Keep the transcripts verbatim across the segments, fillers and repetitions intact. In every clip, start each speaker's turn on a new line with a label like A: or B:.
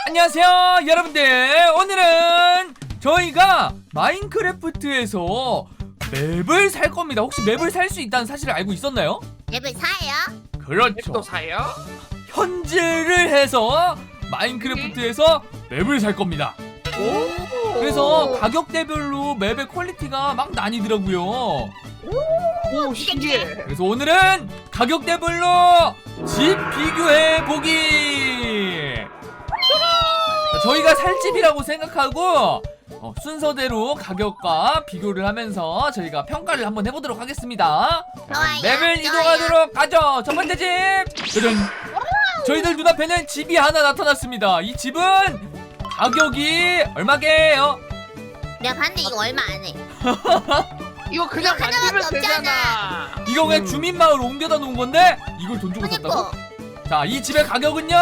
A: 안녕하세요 여러분들, 오늘은 저희가 마인크래프트에서 맵을 살 겁니다. 혹시 맵을 살 수 있다는 사실을 알고 있었나요?
B: 맵을 사요?
A: 그렇죠.
C: 또 사요?
A: 현질을 해서 마인크래프트에서 맵을 살 겁니다.
C: 오.
A: 그래서 가격대별로 맵의 퀄리티가 막 나뉘더라고요.
C: 오, 신기해.
A: 그래서 오늘은 가격대별로 집 비교해 보기. 저희가 살 집이라고 생각하고 어, 순서대로 가격과 비교를 하면서 저희가 평가를 한번 해보도록 하겠습니다.
B: 좋아요.
A: 맵을
B: 좋아요.
A: 이동하도록 하죠. 첫 번째 집. 짜잔. 저희들 눈앞에는 집이 하나 나타났습니다. 이 집은 가격이 얼마게요?
B: 내가 봤는데 이거 얼마 안 해.
C: 이거 그냥
B: 이거
C: 만들면
B: 하나밖에
C: 되잖아.
A: 이거 그냥
C: 음.
A: 주민마을 옮겨다 놓은 건데 이걸 돈 주고 샀다고?
B: 그니까.
A: 자, 이 집의 가격은요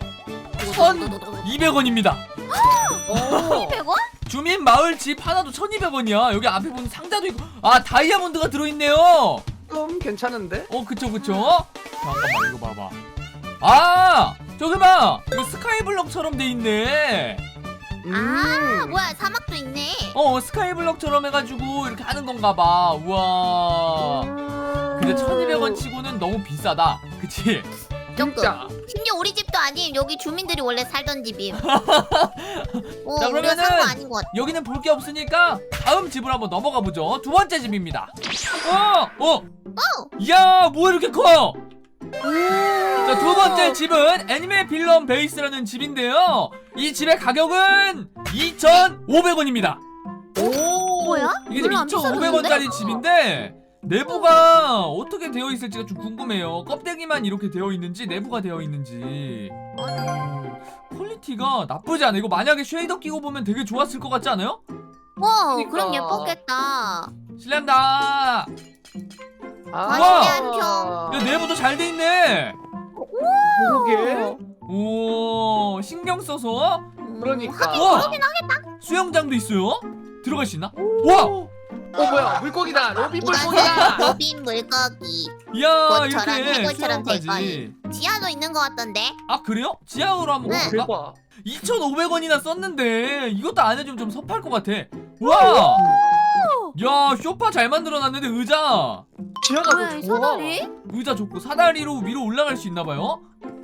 A: 천이백 원입니다.
C: 오.
B: 이백 원?
A: 주민 마을 집 하나도 천이백 원이야. 여기 앞에 보면 상자도 있고, 아 다이아몬드가 들어있네요.
C: 좀 괜찮은데?
A: 어 그쵸 그쵸. 잠깐만 이거 봐봐. 아 저기 봐, 이거 스카이블럭처럼 돼 있네.
C: 음.
B: 아 뭐야, 사막도 있네.
A: 어 스카이블럭처럼 해가지고 이렇게 하는 건가 봐. 우와. 근데 천이백 원 치고는 너무 비싸다, 그치?
C: 진짜.
B: 심지어 우리 집도 아님. 여기 주민들이 원래 살던 집임. 오,
A: 자,
B: 우리가
A: 그러면은
B: 산 거 아닌 것 같아.
A: 여기는 볼 게 없으니까 다음 집으로 한번 넘어가 보죠. 두 번째 집입니다. 어! 어!
B: 오!
A: 이야, 뭐 이렇게 커? 자, 두 번째 집은 애니메 빌런 베이스라는 집인데요. 이 집의 가격은 이천오백 원입니다.
B: 오, 뭐야?
A: 이게 지금 이천오백 원짜리 집인데 내부가 어떻게 되어 있을지가 좀 궁금해요. 껍데기만 이렇게 되어 있는지 내부가 되어 있는지. 음, 퀄리티가 나쁘지 않아. 이거 만약에 쉐이더 끼고 보면 되게 좋았을 것 같지 않아요?
B: 와,
C: 그러니까.
B: 그럼 예뻤겠다.
A: 실례합니다.
C: 아.
B: 우와.
A: 야, 내부도 잘 돼 있네.
C: 그러게.
A: 오, 신경 써서
B: 음,
C: 그러니까.
B: 하긴
A: 우와.
B: 그러긴 하겠다.
A: 수영장도 있어요. 들어갈 수 있나? 와,
C: 어 뭐야? 물고기다. 로비
B: 이건
C: 물고기다.
B: 로빈 물고기.
A: 이야,
B: 꽃처럼
A: 이렇게
B: 해골처럼 될
A: 수영까지.
B: 지하도 있는 것 같던데.
A: 아 그래요? 지하로 한번
B: 네.
A: 가볼까?
C: 대박.
A: 이천오백 원이나 썼는데 이것도 안 해주면 좀 섭할 것 같아. 와, 야, 소파 잘 만들어놨는데 의자,
C: 지하가
B: 뭐야,
C: 더
B: 이
C: 좋아.
B: 사다리?
A: 의자 좋고 사다리로 위로 올라갈 수 있나봐요.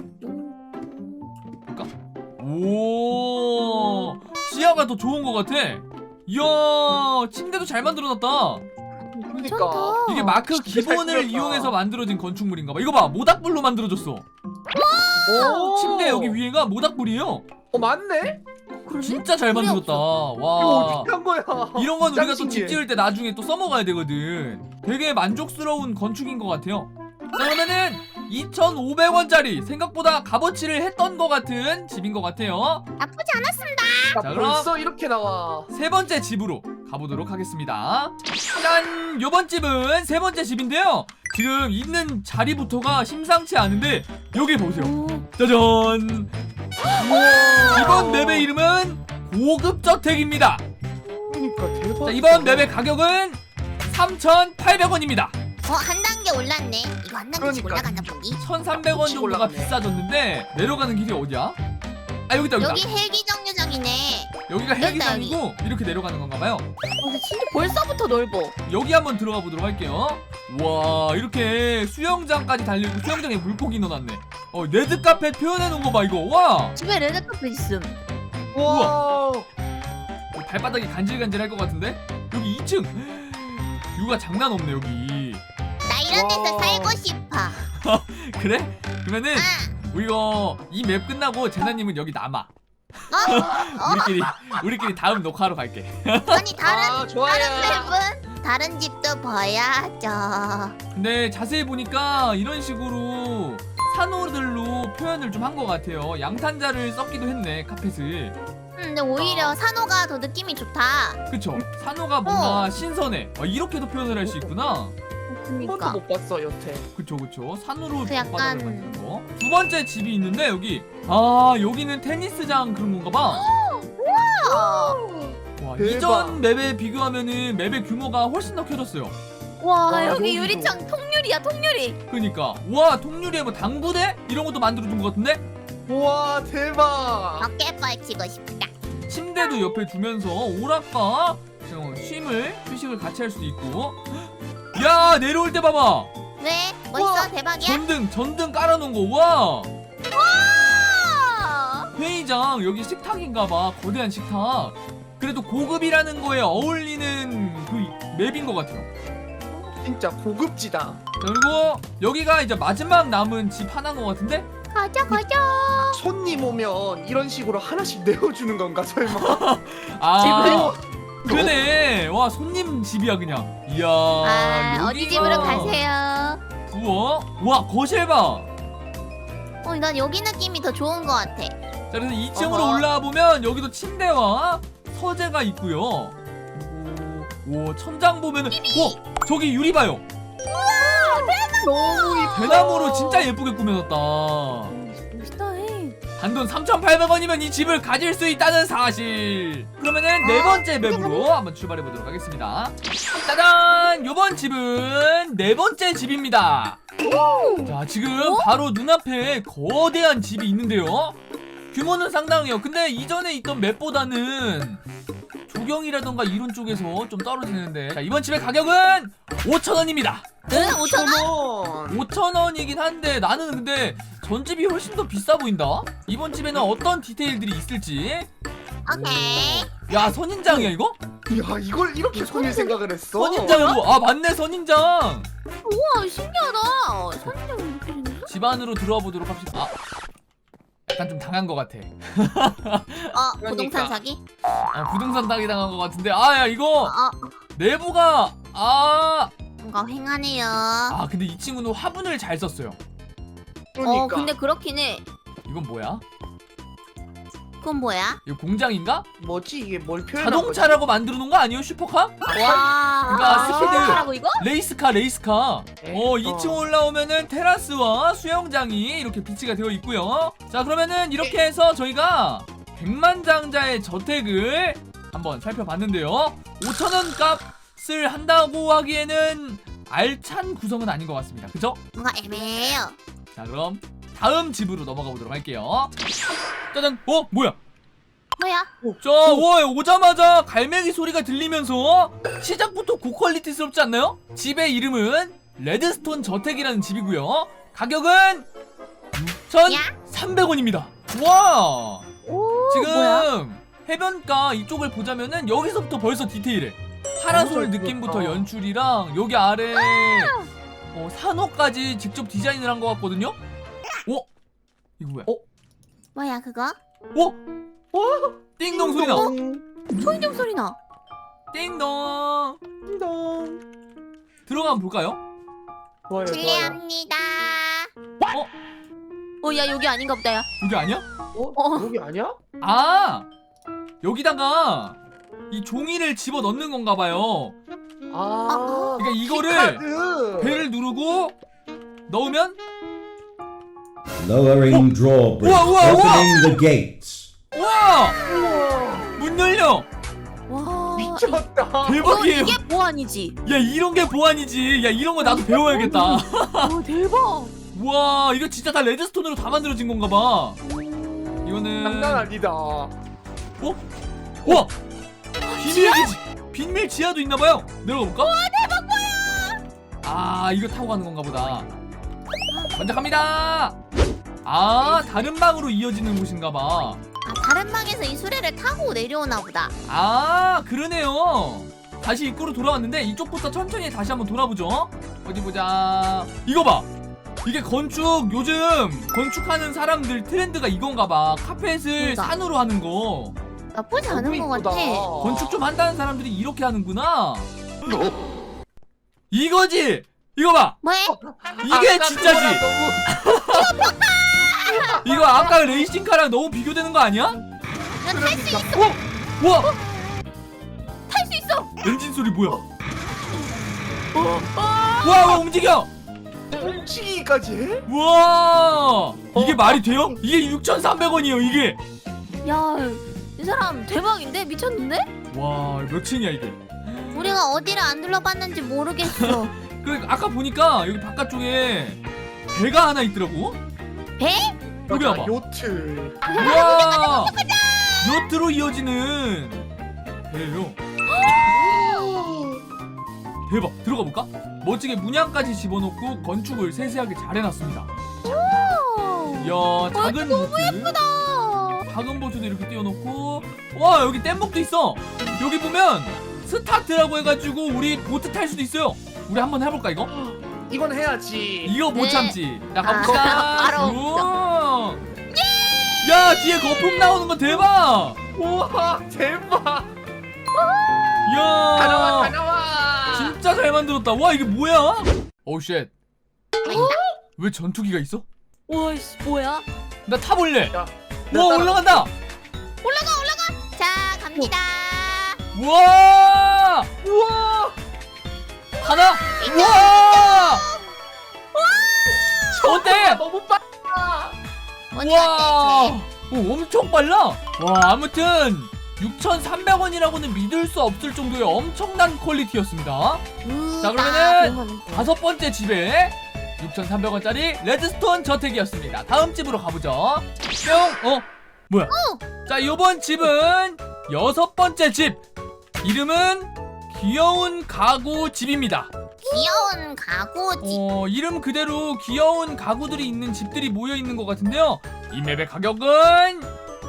A: 오, 지하가 더 좋은 것 같아. 이야, 침대도 잘 만들어놨다.
C: 그러니까.
A: 이게 마크
C: 진짜 잘
A: 기본을
C: 꾸몄다.
A: 이용해서 만들어진 건축물인가봐. 이거 봐, 모닥불로 만들어졌어.
C: 오.
A: 침대 여기 위에가 모닥불이에요.
C: 어 맞네?
A: 진짜 잘
B: 불이
A: 만들었다.
C: 이거
A: 와,
C: 어떻게 한 거야?
A: 이런 건 우리가 또 집
C: 신기해.
A: 지을 때 나중에 또 써먹어야 되거든. 되게 만족스러운 건축인 것 같아요. 자, 그러면은 이천오백 원짜리 생각보다 값어치를 했던 것 같은 집인 것 같아요.
B: 나쁘지 않았습니다.
C: 아,
A: 자, 그럼-
C: 벌써 이렇게 나와.
A: 세 번째 집으로 가보도록 하겠습니다. 짠! 요번 집은 세 번째 집인데요. 지금 있는 자리부터가 심상치 않은데 여기 보세요. 짜잔! 이번 맵의 이름은 고급저택입니다.
C: 그러니까 대박.
A: 자, 이번 맵의 가격은 삼천팔백 원입니다.
B: 어, 한 단계 올랐네. 이거 한 단계씩
C: 그러니까.
B: 올라간다 보기.
A: 천삼백 원 정도가
C: 올라가네.
A: 비싸졌는데 내려가는 길이 어디야? 아, 여기다 여기다.
B: 여기 헬기 정류장이네.
A: 여기가
B: 여기다,
A: 헬기장이고 이렇게 내려가는 건가 봐요.
B: 근데 진짜 벌써부터 넓어.
A: 여기 한번 들어가 보도록 할게요. 와, 이렇게 수영장까지 달리고 수영장에 물고기 넣어놨네. 어, 레드카펫 표현해 놓은 거 봐 이거. 와,
B: 집에 레드카펫 있음.
C: 우와.
A: 발바닥이 간질간질할 것 같은데? 여기 이 층. 뷰가 장난 없네 여기.
B: 나 이런 데서
C: 와.
B: 살고 싶어.
A: 그래? 그러면은
B: 아,
A: 이거 이 맵 끝나고 제나님은 여기 남아.
B: 어?
A: 우리끼리 우리끼리 다음 녹화하러 갈게.
B: 아니 다른
C: 아 좋아요.
B: 다른 맵은 다른 집도 봐야죠.
A: 근데 자세히 보니까 이런 식으로 산호들로 표현을 좀 한 것 같아요. 양탄자를 썼기도 했네, 카펫을.
B: 음, 근데 오히려 산호가 더 느낌이 좋다.
A: 그쵸? 산호가 뭔가
B: 어.
A: 신선해. 아, 이렇게도 표현을 할 수 있구나.
C: 한 번도
B: 그러니까.
C: 못 봤어 여태.
A: 그쵸 그쵸. 산으로
B: 그 약간-
A: 바닥을 만드는 거. 두 번째 집이 있는데 여기, 아 여기는 테니스장 그런 건가 봐.
B: 어.
A: 와,
C: 대박.
A: 이전 맵에 비교하면은 맵의 규모가 훨씬 더 커졌어요.
B: 와,
C: 와,
B: 여기
C: 여기도.
B: 유리창 통유리야 통유리.
A: 그니까 와, 통유리에 뭐 당부대 이런 것도 만들어준 것 같은데.
C: 우와 대박.
B: 어깨 뻘치고 싶다.
A: 침대도 옆에 두면서 오락과 어, 쉼을 휴식을 같이 할 수도 있고. 야 내려올 때 봐봐.
B: 왜? 뭐 있어?
C: 우와,
B: 대박이야?
A: 전등 전등 깔아놓은 거. 와
B: 아!
A: 회의장 여기 식탁인가봐. 거대한 식탁. 그래도 고급이라는 거에 어울리는 그 맵인 것 같아요.
C: 진짜 고급지다.
A: 자, 그리고 여기가 이제 마지막 남은 집 하나인 것 같은데.
B: 가자 가자.
C: 손님 오면 이런 식으로 하나씩 내어주는 건가 설마?
A: 아 그네. 와 손님 집이야 그냥. 이야
B: 아 어디
A: 여기가-
B: 집으로 가세요?
A: 우와 와 거실 봐.
B: 어, 난 여기 느낌이 더 좋은 것 같아.
A: 자 그래서 이 층으로
C: 어허.
A: 올라와 보면 여기도 침대와 서재가 있고요. 그리고 오 천장 보면은 오 저기 유리 봐요.
C: 너무 이뻐.
A: 대나무로 진짜 예쁘게 꾸며놨다.
B: 멋있다 해.
A: 단돈 삼천팔백 원이면 이 집을 가질 수 있다는 사실. 그러면은 네 번째 맵으로 한번 출발해 보도록 하겠습니다. 짜잔! 요번 집은 네 번째 집입니다. 자 지금 바로 눈앞에 거대한 집이 있는데요. 규모는 상당해요. 근데 이전에 있던 맵보다는 조경이라던가 이런 쪽에서 좀 떨어지는데. 자 이번 집의 가격은 오천 원입니다.
B: 응? 오천 원?
C: 원.
A: 오천 원이긴 한데 나는 근데 전집이 훨씬 더 비싸 보인다. 이번 집에는 어떤 디테일들이 있을지.
B: 오케이.
A: 오. 야 선인장이야 이거?
C: 야 이걸 이렇게 손이 생각을 했어.
A: 선인장이고 아 맞네 선인장.
B: 우와 신기하다. 선인장 이렇게 생겼어?
A: 집 안으로 들어와 보도록 합시다. 아 약간 좀 당한 것 같아.
B: 어
C: 그러니까.
B: 부동산 사기?
A: 아, 부동산 따기 당한 것 같은데. 아 야 이거
B: 어
A: 내부가 아,
B: 뭔가 횡하네요.
A: 아 근데 이 친구는 화분을 잘 썼어요.
C: 그러니까.
B: 어 근데 그렇긴 해.
A: 이건 뭐야?
B: 그건 뭐야?
A: 이거 공장인가?
C: 뭐지 이게 뭘 표현한 거지?
A: 자동차라고 만들어 놓은 거 아니에요 슈퍼카?
B: 와.
A: 그러니까
B: 아,
A: 스피드.
B: 슈퍼카라고 이거?
A: 레이스카 레이스카.
C: 에이,
A: 어 이
C: 어.
A: 층 올라오면은 테라스와 수영장이 이렇게 비치가 되어 있고요. 자 그러면은 이렇게 해서 저희가 백만장자의 저택을 한번 살펴봤는데요. 오천 원 값을 한다고 하기에는 알찬 구성은 아닌 것 같습니다. 그죠?
B: 뭔가 애매해요.
A: 자 그럼 다음 집으로 넘어가 보도록 할게요. 짜잔. 어 뭐야?
B: 뭐야?
A: 저 오, 오자마자 갈매기 소리가 들리면서 시작부터 고퀄리티스럽지 않나요? 집의 이름은 레드스톤 저택이라는 집이고요. 가격은 육천삼백 원입니다. 와
B: 오
A: 지금
B: 뭐야?
A: 해변가 이쪽을 보자면은 여기서부터 벌써 디테일해. 파라솔
C: 너무 잘
A: 느낌부터
C: 그렸다.
A: 연출이랑 여기 아래 어, 산호까지 직접 디자인을 한 것 같거든요. 어? 이거 뭐야?
C: 어?
B: 뭐야 그거?
A: 어?
C: 어?
A: 띵동 소리 나.
B: 소인종 소리 나.
A: 띵동.
C: 띵동.
A: 들어가면 볼까요?
C: 좋아요 좋아요.
B: 실례합니다.
A: 어?
B: 어 야 여기 아닌가 보다 야.
A: 여기 아니야?
C: 어?
B: 어.
C: 여기 아니야?
A: 아 여기다가 이 종이를 집어 넣는 건가 봐요.
C: 아.
A: 그러니까 이거를
C: 키카드.
A: 배를 누르고 넣으면
D: Lowering drawbridge.
A: 우와, 우와, 우와!
D: Opening the gates.
A: 우와
C: 우와.
A: 문 열려.
B: 와.
C: 미쳤다.
B: 이거
A: 대박이에요.
B: 이게 보안이지.
A: 야 이런 게 보안이지. 야 이런 거 나도 배워야겠다.
B: 와 대박.
A: 와 이거 진짜 다 레드스톤으로 다 만들어진 건가 봐. 이거는
C: 장난 아니다.
A: 어? 우와 비밀 기지 비밀 지하도 있나 봐요. 내려가 볼까? 와 대박 뭐야? 아 이거 타고 가는 건가 보다. 먼저 갑니다. 아 다른 방으로 이어지는 곳인가 봐.
B: 아 다른 방에서 이 수레를 타고 내려오나 보다.
A: 아 그러네요. 다시 입구로 돌아왔는데 이쪽부터 천천히 다시 한번 돌아보죠. 어디 보자. 이거 봐. 이게 건축 요즘 건축하는 사람들 트렌드가 이건가 봐. 카펫을
B: 그러니까.
A: 산으로 하는 거.
B: 나쁘지
C: 너무
B: 않은 것
C: 이쁘다.
B: 같아.
A: 건축 좀 한다는 사람들이 이렇게 하는구나. 이거지. 이거 봐.
B: 뭐해?
A: 이게
C: 아까
A: 진짜지.
C: 그거랑 너무
A: 이거 아까 레이싱카랑 너무 비교되는 거 아니야?
B: 난탈 수 있어.
A: 어? 와
B: 탈 수 있어.
A: 엔진 소리 뭐야? 와, 와 움직여.
C: 훔치기까지 해?
A: 와 이게 말이 돼요? 이게 육천삼백 원이에요 이게.
B: 야, 이 사람 대박인데 미쳤는데?
A: 와 몇 층이야 이게?
B: 우리가 어디를 안 둘러봤는지 모르겠어.
A: 그 아까 보니까 여기 바깥쪽에 배가 하나 있더라고.
B: 배?
A: 여기
C: 맞아,
A: 봐봐.
C: 요트.
A: 우와 요트로 이어지는 배예요. 대박. 들어가 볼까? 멋지게 문양까지 집어넣고 건축을 세세하게 잘 해놨습니다. 이야 작은 보트 작은 보트도 이렇게 띄워놓고 와 여기 뗏목도 있어. 여기 보면 스타트라고 해가지고 우리 보트 탈 수도 있어요. 우리 한번 해볼까 이거?
C: 이건 해야지.
A: 이거 못
B: 네.
A: 참지. 자
B: 아,
A: 가봅시다.
B: 바로
A: 우와. 야 뒤에 거품 나오는 거 대박.
C: 우와 대박.
A: 이야
C: 다녀와 다녀와.
A: 진짜 잘 만들었다. 와 이게 뭐야? 오우 쉣. 왜 전투기가 있어?
B: 와이씨 뭐야?
A: 나 타볼래.
C: 야,
A: 와 올라간다.
B: 올라가 올라가. 자 갑니다.
A: 우와
C: 우와.
A: 하나. 우와 어때?
C: 아, 너무 빨라.
B: 언니
A: 우와
B: 어때?
A: 오, 엄청 빨라. 와 아무튼 육천삼백 원이라고는 믿을 수 없을 정도의 엄청난 퀄리티였습니다.
B: 우,
A: 자, 그러면은
B: 나 그러면 돼.
A: 다섯 번째 집에 육천삼백 원짜리 레드스톤 저택이었습니다. 다음 집으로 가보죠. 뿅! 어? 뭐야? 자, 요번 집은 여섯 번째 집. 이름은 귀여운 가구 집입니다.
B: 귀여운 가구지.
A: 어, 이름 그대로 귀여운 가구들이 있는 집들이 모여 있는 것 같은데요. 이 맵의 가격은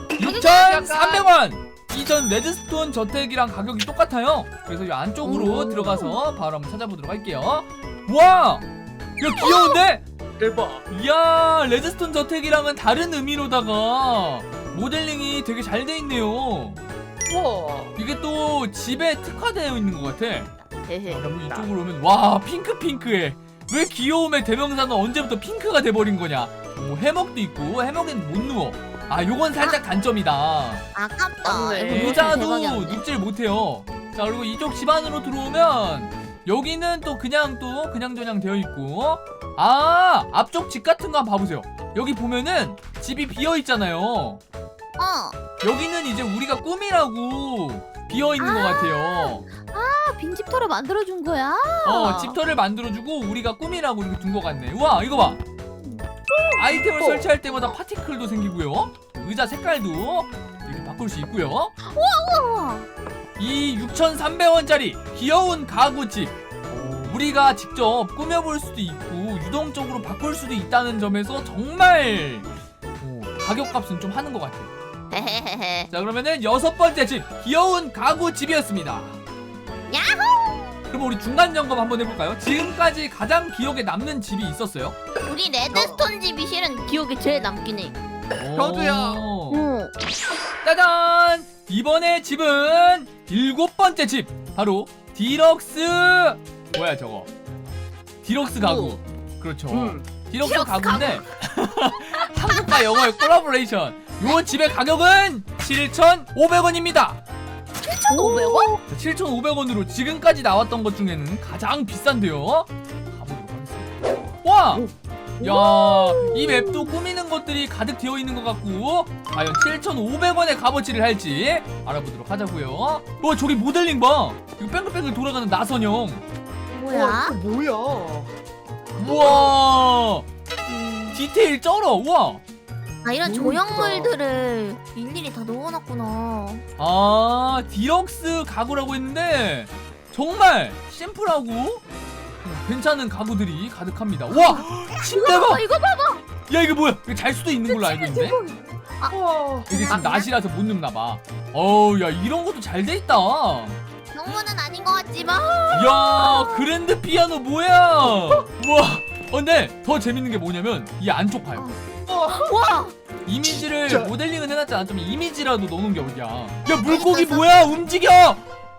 A: 육천삼백 원! 이전 레드스톤 저택이랑 가격이 똑같아요. 그래서 이 안쪽으로
B: 오.
A: 들어가서 바로 한번 찾아보도록 할게요. 와! 야 귀여운데?
C: 대박.
A: 이야 레드스톤 저택이랑은 다른 의미로다가 모델링이 되게 잘 돼 있네요.
C: 우와.
A: 이게 또 집에 특화되어 있는 것 같아.
B: 헤헤.
A: 그리고 이쪽으로 오면 와 핑크 핑크해. 왜 귀여움의 대명사는 언제부터 핑크가 돼버린 거냐. 오, 해먹도 있고 해먹엔 못 누워. 아 요건 살짝 단점이다.
B: 아깝다.
C: 맞네.
B: 이거 노트
A: 의자도
B: 대박이었네.
A: 눕질 못해요. 자 그리고 이쪽 집 안으로 들어오면 여기는 또 그냥 또 그냥저냥 되어 있고 아 앞쪽 집 같은 거 한번 봐보세요. 여기 보면은 집이 비어 있잖아요.
B: 어.
A: 여기는 이제 우리가 꾸미라고 비어 있는 것 같아요.
B: 아, 빈집터를 만들어준 거야?
A: 어 집터를 만들어주고 우리가 꾸미라고 이렇게 둔 것 같네. 우와 이거 봐. 아이템을
C: 어.
A: 설치할 때마다 파티클도 생기고요. 의자 색깔도 이렇게 바꿀 수 있고요.
B: 우와.
A: 이 육천삼백 원짜리 귀여운 가구집 우리가 직접 꾸며볼 수도 있고 유동적으로 바꿀 수도 있다는 점에서 정말 어, 가격값은 좀 하는 것 같아요.
B: 헤헤헤헤.
A: 자 그러면은 여섯 번째 집 귀여운 가구집이었습니다.
B: 야호!
A: 그럼 우리 중간 점검 한번 해볼까요? 지금까지 가장 기억에 남는 집이 있었어요?
B: 우리 레드스톤 집이 실은 기억에 제일 남긴 해.
C: 저도요.
A: 오.
B: 응.
A: 짜잔! 이번에 집은 일곱 번째 집 바로 디럭스 뭐야 저거 디럭스 가구 그렇죠.
C: 음.
A: 디럭스
B: 디럭스
A: 가구인데 한국과 영어의 콜라보레이션. 요 집의 가격은 칠천오백 원입니다.
B: 칠천오백 원?
A: 칠천오백 원으로 지금까지 나왔던 것 중에는 가장 비싼데요. 가보도록 하겠습니다. 와! 야, 이 맵도 꾸미는 것들이 가득 되어 있는 것 같고 과연 칠천오백 원의 값어치를 할지 알아보도록 하자고요. 와, 저기 모델링 봐. 이거 뺑글뺑글 돌아가는 나선형.
C: 우와,
B: 뭐야?
C: 이거 뭐야?
A: 우와, 디테일 쩔어. 우와.
B: 아, 이런
C: 너무
B: 조형물들을 일일이 다 넣어놨구나.
A: 아, 디럭스 가구라고 했는데 정말 심플하고 괜찮은 가구들이 가득합니다. 와, 침대 봐.
B: 아, 이거 봐봐.
A: 야, 이게 뭐야? 이거 잘 수도 있는 걸로 알고 있는데.
C: 우와.
A: 이게 지금 낮이라서 못 눕나 봐. 어우, 야, 이런 것도 잘 돼 있다.
B: 정보는 아닌 것 같지만.
A: 야, 그랜드 피아노 뭐야? 우와. 어, 근데 더 재밌는 게 뭐냐면 이 안쪽 봐요.
B: 와.
A: 이미지를
C: 진짜.
A: 모델링은 해놨잖아. 좀 이미지라도 넣어놓은 게 어디야? 야, 물고기 뭐야? 움직여!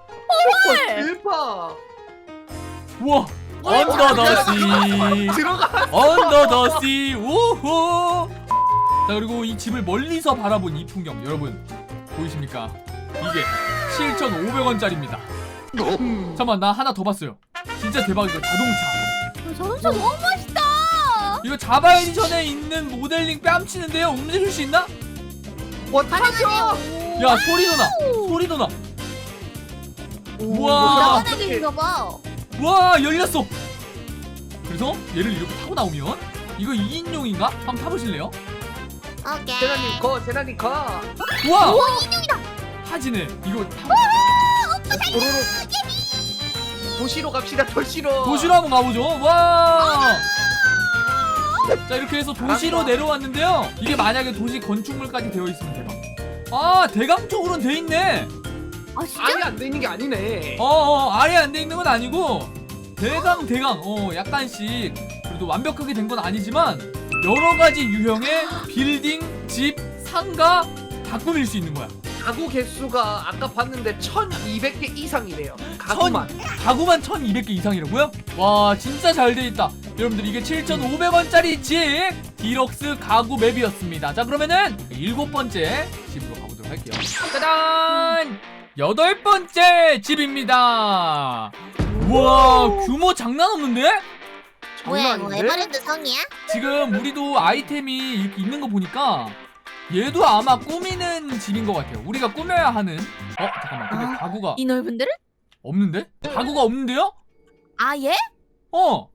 C: 대박.
A: 우와. 언더 더 씨.
C: 들어가.
A: 언더 더 씨. 우후. 자, 그리고 이 집을 멀리서 바라본 이 풍경 여러분 보이십니까? 이게 칠천오백 원짜리입니다. 잠깐만, 나 하나 더 봤어요. 진짜 대박이다. 자동차.
B: 자동차 너무 멋있다.
A: 이거 자바 에디션에 있는 모델링 뺨치는데요. 움직일 수 있나?
C: 와 타죠.
A: 야, 소리도 나. 소리도 나. 우와.
B: 나가는 길인가 봐.
A: 와, 열렸어. 그래서 얘를 이렇게 타고 나오면 이거 이 인용인가? 한번 타보실래요?
B: 오케이.
C: 제나님 거 제나님 거.
A: 우와
B: 오 인형이다.
A: 타지네 이거 타...
C: 도로로 도시로 갑시다. 도시로.
A: 도시로 한번 가보죠. 와. 자 이렇게 해서 도시로
C: 잘한다.
A: 내려왔는데요. 이게 만약에 도시 건축물까지 되어 있으면 대박. 아 대강 쪽으로는 돼 있네.
B: 아 진짜?
C: 아예 안 돼 있는 게 아니네.
A: 어어 아예 안 돼 있는 건 아니고 대강 대강 어 약간씩 그래도 완벽하게 된 건 아니지만 여러 가지 유형의 빌딩, 집, 상가 다 꾸밀 수 있는 거야.
C: 가구 개수가 아까 봤는데 천이백 개 이상이래요. 가구만.
A: 가구만 천이백 개 이상이라고요? 와 진짜 잘 돼 있다. 여러분들 이게 칠천오백 원짜리 집 디럭스 가구 맵이었습니다. 자 그러면은 일곱 번째 집으로 가보도록 할게요. 짜잔! 여덟 번째 집입니다. 우와 규모 장난 없는데?
B: 뭐야
C: 장난
B: 이거
C: 아닌데?
B: 에버랜드 성이야?
A: 지금 우리도 아이템이 이렇게 있는 거 보니까 얘도 아마 꾸미는 집인 것 같아요. 우리가 꾸며야 하는. 어 잠깐만 근데
B: 아,
A: 가구가
B: 이 넓은 데를?
A: 없는데? 가구가 없는데요?
B: 아 예?
A: 어.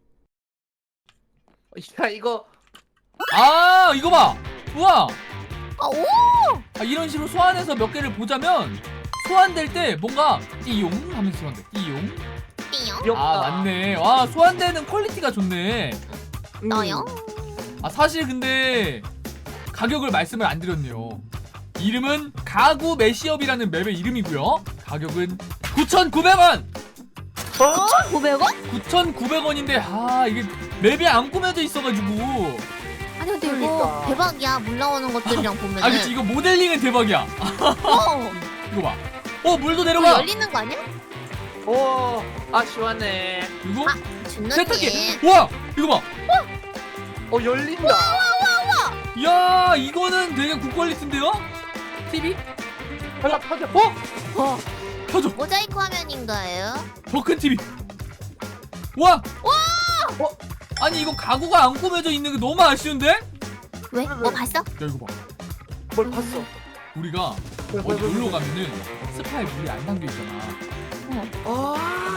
C: 야 이거
A: 아 이거 봐. 우와.
B: 아 오!
A: 아, 이런 식으로 소환해서 몇 개를 보자면 소환될 때 뭔가 띠용 하면서 소환돼. 띠용.
B: 띠용?
C: 귀엽다.
A: 아 맞네. 와 소환되는 퀄리티가 좋네.
C: 음.
B: 너요?
A: 아 사실 근데 가격을 말씀을 안 드렸네요. 이름은 가구 매시업이라는 맵의 이름이고요. 가격은 구천구백 원.
C: 어?
B: 오백 원?
A: 구천구백 원인데 아 이게 맵이 안 꾸며져 있어가지고.
B: 아니 근데 이거
C: 그러니까.
B: 대박이야 물 나오는 것들이랑 보면은
A: 아 그치 이거 모델링은 대박이야.
B: 어!
A: 이거 봐. 어 물도
B: 이거
A: 내려가.
B: 열리는 거 아니야?
C: 오, 아 시원해.
A: 이거
B: 아, 준너님
A: 세탁기. 와 이거 봐.
C: 어 열린다.
A: 야 이거는 되게 고퀄리티인데요? 티비?
C: 하나 파자. 어?
B: 어
A: 켜줘.
B: 모자이크 화면인가요?
A: 더 큰 티비. 와!
C: 와!
A: 어? 아니 이거 가구가 안 꾸며져 있는 게 너무 아쉬운데? 야
B: 왜? 뭐 봤어?
A: 이거 봐.
C: 뭘 봤어?
A: 우리가 어디 놀러 가면은 스파에 물이 안 담겨 있잖아.
C: 아,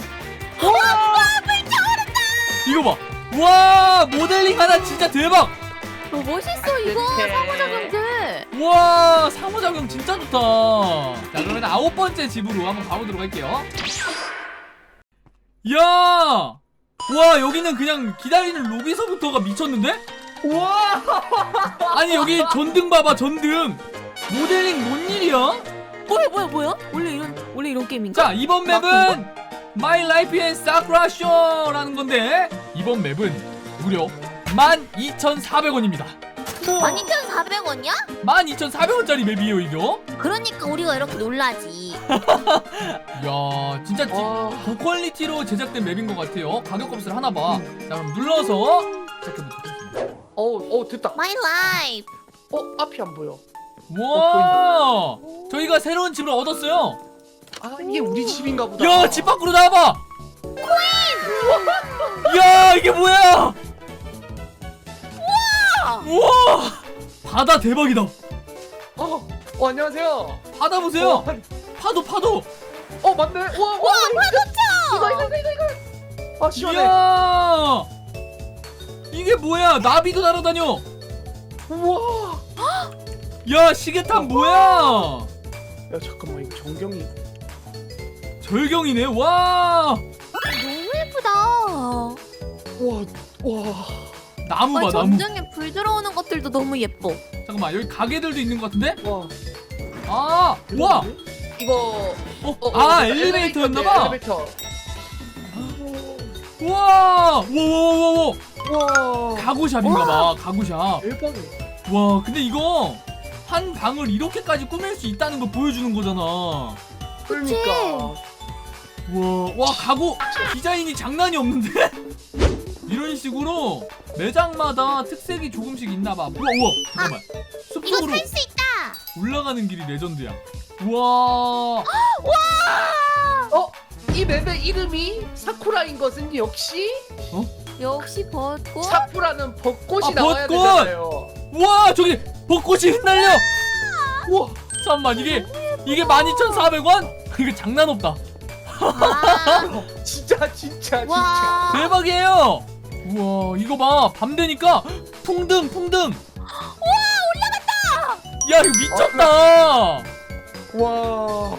A: 이거 봐. 와 모델링 하나 진짜 대박.
B: 너 멋있어 이거
C: 이렇게.
B: 상호작용들.
A: 와 상호작용 진짜 좋다. 자 그러면 아홉 번째 집으로 한번 가보도록 할게요. 야! 와 여기는 그냥 기다리는 로비서부터가 미쳤는데?
C: 와,
A: 아니 여기 전등 봐봐 전등. 모델링 뭔 일이야?
B: 뭐야 뭐야 뭐야? 원래 이런 원래 이런 게임인가?
A: 자 이번 맵은 My Life in Sakura Show라는 건데 이번 맵은 무려 만 이천사백 원입니다.
B: 만 이천사백 원이야?
A: 만 이천사백 원짜리 맵이에요 이거.
B: 그러니까 우리가 이렇게 놀라지.
A: 이야 진짜 지-
C: 와.
A: 고퀄리티로 제작된 맵인 것 같아요. 가격 값을 하나 봐. 자 그럼 눌러서 시작해보도록 하겠습니다.
C: 어, 어 됐다.
B: My life.
C: 어, 앞이 안 보여.
A: 와 저희가 새로운 집을 얻었어요.
C: 아, 이게 우리 집인가 보다.
A: 야 집 밖으로 나와봐. 야 이게 뭐야? 우와 바다 대박이다.
C: 어, 어 안녕하세요.
A: 바다 보세요.
C: 어,
A: 파도 파도.
C: 어 맞네. 와, 와,
B: 와 파도쳐.
C: 이거 이거 이거 이거. 아 시원해.
A: 이야 이게 뭐야? 나비도 날아다녀.
C: 우와.
A: 야 시계탑 뭐야?
C: 야 잠깐만 이거 전경이.
A: 절경이네. 와
B: 너무 예쁘다.
C: 와, 와.
A: 나무 봐
B: 아니,
A: 나무.
B: 전등에 불 들어오는 것들도 너무 예뻐.
A: 잠깐만 여기 가게들도 있는 것 같은데?
C: 와.
A: 아 와.
C: 이거.
A: 어,
C: 어,
A: 아
C: 어,
A: 엘리베이터였나봐.
C: 엘리베이터.
A: 와 와와와와
C: 와.
A: 가구샵인가봐. 가구샵.
C: 대박이야.
A: 와 근데 이거 한 방을 이렇게까지 꾸밀 수 있다는 거 보여주는 거잖아.
C: 그러니까.
A: 와, 와 가구 디자인이 장난이 없는데? 이런 식으로 매장마다 특색이 조금씩 있나봐. 우와 우와 잠깐만
B: 이거
A: 숲속으로
B: 살 수 있다.
A: 올라가는 길이 레전드야. 우와
C: 어? 이 맵의 이름이 사쿠라인 것은 역시
B: 역시 벚꽃.
C: 사쿠라는 벚꽃이
A: 아,
C: 나와야
A: 벚꽃!
C: 되잖아요.
A: 우와 저기 벚꽃이 흩날려.
C: 우와.
A: 잠깐만 이게 이게 만 이천사백 원? 이거 장난 없다.
B: 와.
C: 진짜 진짜 진짜.
B: 와.
A: 대박이에요. 우와 이거 봐 밤 되니까 풍등 풍등.
B: 와
A: 야 이거 미쳤다.
C: 와.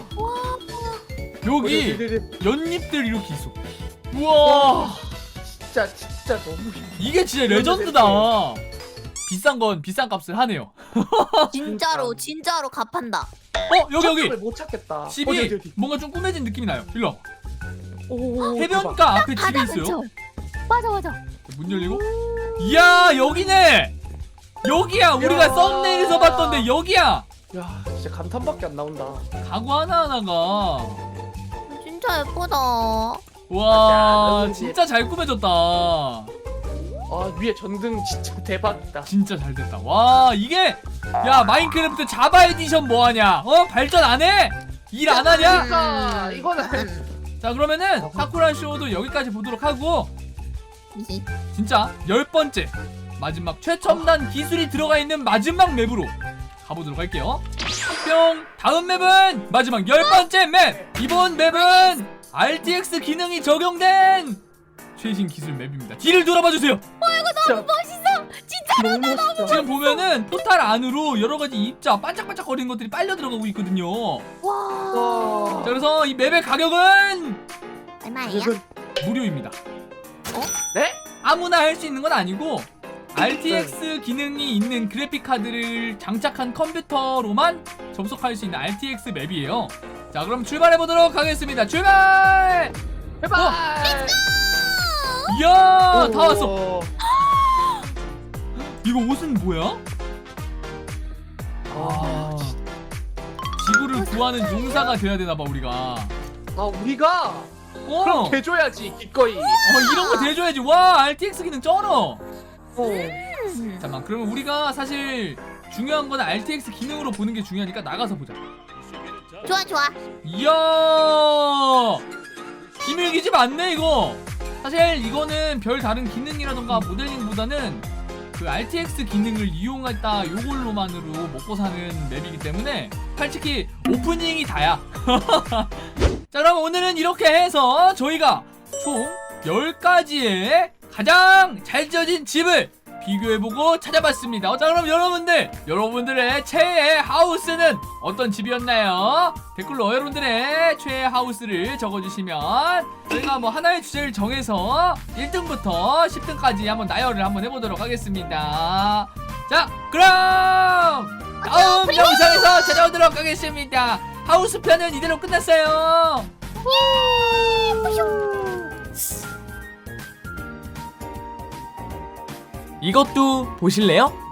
A: 여기
C: 네네네.
A: 연잎들 이렇게 있어. 우와.
C: 진짜 진짜 너무 힘-
A: 이게 진짜 레전드다. 비싼 건 비싼 값을 하네요.
B: 진짜로 진짜로 갚한다.
A: 어 여기 여기
C: 찾으면 못 찾겠다.
A: 집이
C: 어디, 어디, 어디.
A: 뭔가 좀 꾸며진 느낌이 나요. 일로 와.
C: 오,
A: 해변가 앞에 집이
B: 바다
A: 있어요.
B: 근처. 맞아 맞아.
A: 문 열리고. 이야 여기네. 여기야 우리가
C: 야.
A: 썸네일에서 봤던데 여기야.
C: 대박. 야 진짜 감탄밖에 안 나온다.
A: 가구 하나하나가
B: 진짜 예쁘다.
A: 와
C: 맞아.
A: 진짜 잘 꾸며졌다.
C: 아 위에 전등 진짜 대박이다.
A: 진짜 잘 됐다. 와 이게 야 마인크래프트 자바 에디션 뭐하냐? 어 발전 안 해? 일 안 하냐?
C: 그러니까 이거는
A: 자 그러면은 사쿠라 쇼도 여기까지 보도록 하고
B: 이-
A: 진짜 열 번째 마지막 최첨단 기술이 들어가 있는 마지막 맵으로 가보도록 할게요. 뿅! 다음 맵은 마지막 열 번째 맵! 이번 맵은 알티엑스 기능이 적용된 최신 기술 맵입니다. 뒤를 돌아봐주세요.
C: 진짜
B: 멋있어. 진짜.
C: 너무 멋있다.
A: 지금 보면은 포탈 안으로 여러가지 입자 반짝반짝거리는 것들이 빨려 들어가고 있거든요.
B: 와.
C: 와.
A: 자 그래서 이 맵의 가격은
B: 얼마야?
C: 이건
A: 무료입니다.
C: 네?
A: 아무나 할 수 있는 건 아니고 알티엑스 기능이 있는 그래픽 카드를 장착한 컴퓨터로만 접속할 수 있는 알티엑스 맵이에요. 자 그럼 출발해 보도록 하겠습니다. 출발!
C: 제발.
A: 이야 다
C: 오.
A: 왔어. 이거 옷은 뭐야?
C: 아,
A: 지구를 구하는 용사가 돼야 되나봐 우리가.
C: 아 우리가
A: 어,
C: 그럼 대줘야지 기꺼이.
A: 어 이런 거 대줘야지. 와 알티엑스 기능 쩔어.
C: 어.
A: 잠깐만 그러면 우리가 사실 중요한 건 알티엑스 기능으로 보는 게 중요하니까 나가서 보자.
B: 좋아 좋아.
A: 이야 기밀기지 많네 이거. 사실 이거는 별 다른 기능이라던가 모델링보다는 그 알티엑스 기능을 이용했다 요걸로만으로 먹고 사는 맵이기 때문에 솔직히 오프닝이 다야. 자 그럼 오늘은 이렇게 해서 저희가 총 열 가지의 가장 잘 지어진 집을 비교해보고 찾아봤습니다. 어, 자 그럼 여러분들 여러분들의 최애 하우스는 어떤 집이었나요? 댓글로 여러분들의 최애 하우스를 적어주시면 저희가 뭐 하나의 주제를 정해서 일 등부터 십 등까지 한번 나열을 한번 해보도록 하겠습니다. 자 그럼 다음 영상에서 찾아오도록 하겠습니다. 하우스 편은 이대로 끝났어요. 이것도 보실래요?